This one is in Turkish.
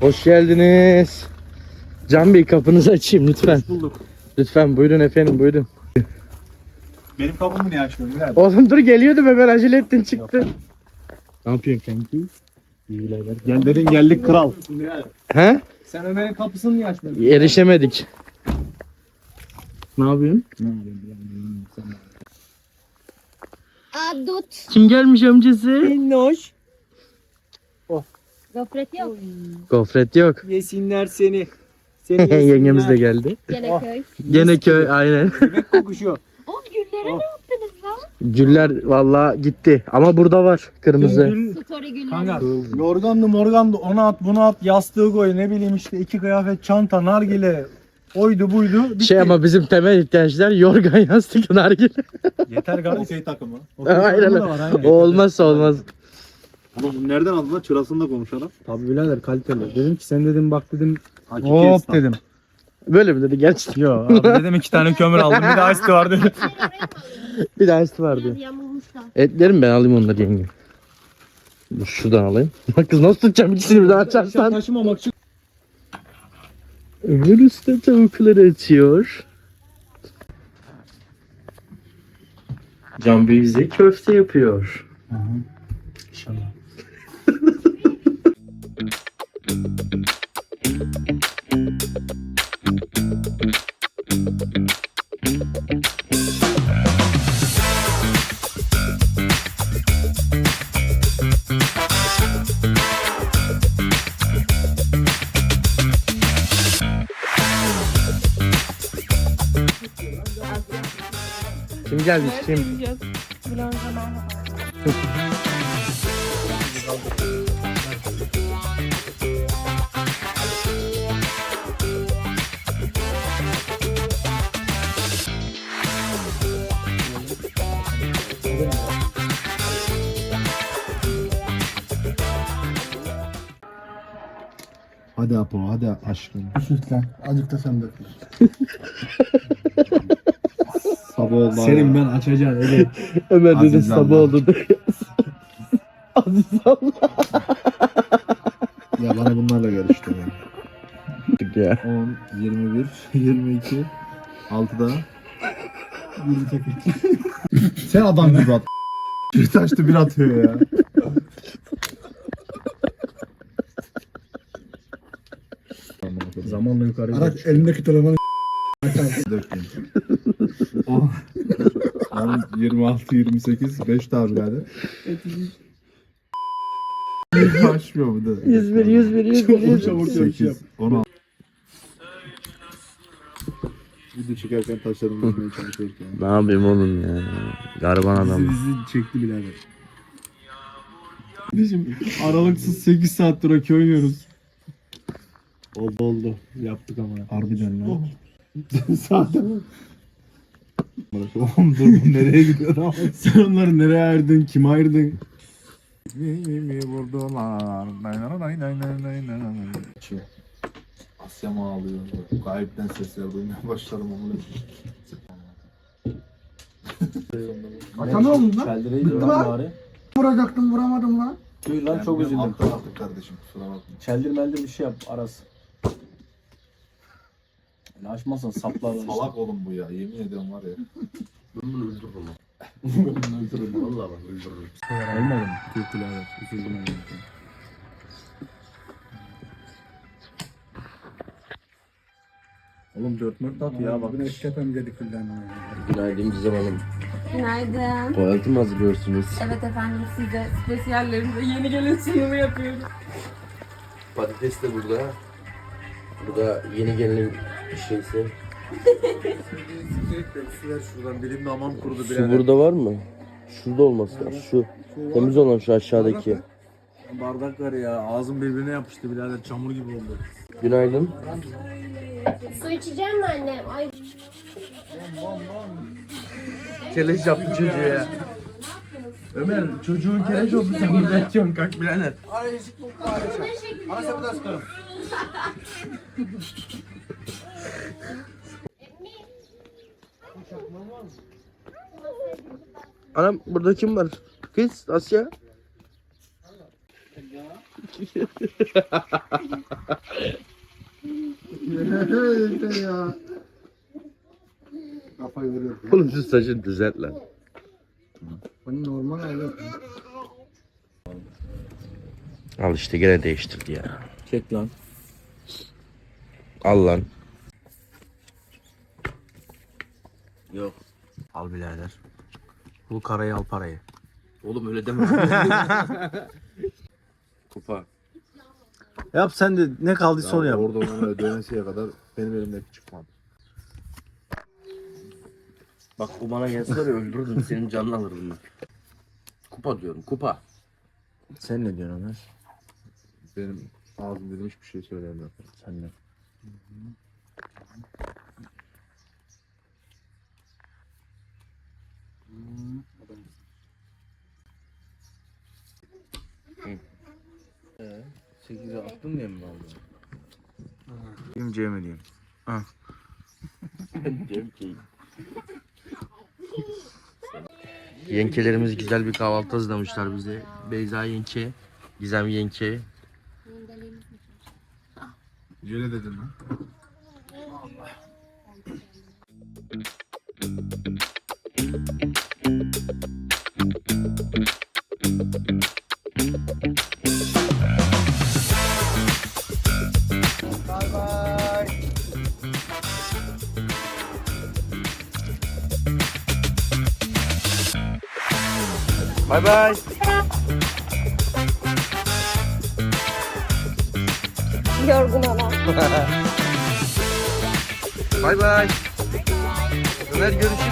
Hoş geldiniz. Can Bey kapınızı açayım lütfen. Hoş bulduk. Lütfen buyurun efendim buyurun. Benim kapımı niye açmıyorsun birader? Oğlum dur geliyordum hemen acele ettin çıktı. Ne yapıyorsun kanki? İyi birader. Gel dedin geldik kral. He? Sen Ömer'in kapısını niye açmıyorsun? Erişemedik. Ne yapıyorsun? Adut. Kim gelmiş amcası? Minnoş. Gofret yok. Gofret yok. Yesinler seni. Seni Yengemiz de geldi. Gene köy. Gene köy aynen. Bebek kokuşuyor. O güllere ne yaptınız lan? Güller valla gitti ama burada var kırmızı. Story güller. Kanka yorgandı morgandı onu at bunu at yastığı koy ne bileyim işte 2 kıyafet çanta nargile oydu buydu. Bitti. Şey ama bizim temel ihtiyaçlar yorgan yastık nargile. Yeter kardeşim. Okey takımı. Aynen. O olmazsa olmaz. Ama bunu nereden aldın lan? Çırasını da konuşalım. Tabii birader kaliteli. Dedim ki sen dedim bak dedim Hakiki hop esnaf. dedim. Böyle mi dedi gerçekten? Yo abi dedim 2 tane kömür aldım bir de ice var dedim. Bir de ice vardı. Biraz yamulmuşlar. Etlerim ben alayım onları yenge. Dur şuradan alayım. Bak kız nasıl tutacağım ikisini bir daha açarsan. Taşımamak için. Ömür Usta tavukları açıyor. Can Bey bize köfte yapıyor. İnşallah. Kim gelmiş kim? Hadi Apo, hadi aşkım. Lütfen. Azıcık da sen dök. Sabah oldu. Senin ben açacağım öyle. Ömer dedi Aziz sabah Allah. oldu. Aziz Allah. Ya bana bunlarla gel işte ya. Ya. 10, 21, 22, 6'da. Sen adam gibi at. Bir taştı bir atıyor ya. Zamanla yukarı Araç elindeki telefonu Dökmeyin. 10, 26, 28, 5 daha birader. Açmıyor bu da. 101 101 101 çabuk 8, 16. Video çekerken taşlarımı bulmaya çalışıyorken. Ne yapayım oğlum ya? Gariban adam. Bizi çekti birader. Kardeşim aralıksız 8 saattir okey oynuyoruz. Oldu. Yaptık ama. Harbiden lan. Zaten Oğlum dur bu nereye gidiyor ama. sen onları nereye ayırdın? Kime ayırdın? Mi vurdular. Asya mı ağlıyor? Gayipten sesler duymaya başladım onu. Ata ne oldu lan? Bitti lan. Vuracaktım vuramadım lan. Duy lan çok üzüldüm. Alttan attık kardeşim kusura bakma. Çeldir meldir bir şey yap Aras. Yani açmazsan saplar işte. Salak oğlum bu ya yemin ediyorum var ya. Olmadı mı? Türk birader. Üzüldüm ben. Oğlum 4 at ya bak. Bugün eşketen dedik filden. Günaydın Gizem Hanım. Günaydın. Tuvaleti mi hazırlıyorsunuz? Evet efendim size spesiyallerimize yeni gelen sunumu yapıyoruz. Patates de burada. Bu da yeni gelen şeysi. Ver şuradan dilim damağım kurudu Su burada var mı? Şurada olması lazım. Şu. Temiz olan şu aşağıdaki. Bardak var ya ağzım birbirine yapıştı birader çamur gibi oldu. Günaydın. Su içeceğim mi annem? Ay. Keleş yaptı çocuğu ya. Ömer çocuğun keleş oldu sen burada yatıyorsun kalk birader. Anam burada kim var? Kız Asya. Yeter ya. Kafayı vuruyor. Oğlum şu saçını düzelt lan. Bu normal hayat. Al işte gene değiştirdi ya. Çek lan. Al lan. Yok. Al birader. Bu karayı al parayı. Oğlum öyle deme. Kupa. Yap sen de ne kaldıysa onu yap. Orada ona dönesiye kadar benim elimdeki çıkmadı. Bak o bana gelse de öldürürdüm senin canını alırdım bak. Kupa diyorum kupa. Sen ne diyorsun Ömer? Benim ağzım dedim hiçbir şey söyleyemiyor. Sen ne? Sekize attın diye mi aldın? Diyeyim C mi diyeyim? Diyorum ki. Yenkelerimiz güzel bir kahvaltı hazırlamışlar bize. Beyza yenge, Gizem yenge. Jöle dedim lan. Bay bay. Yorgun olan. Bay bay. Ömer görüşürüz.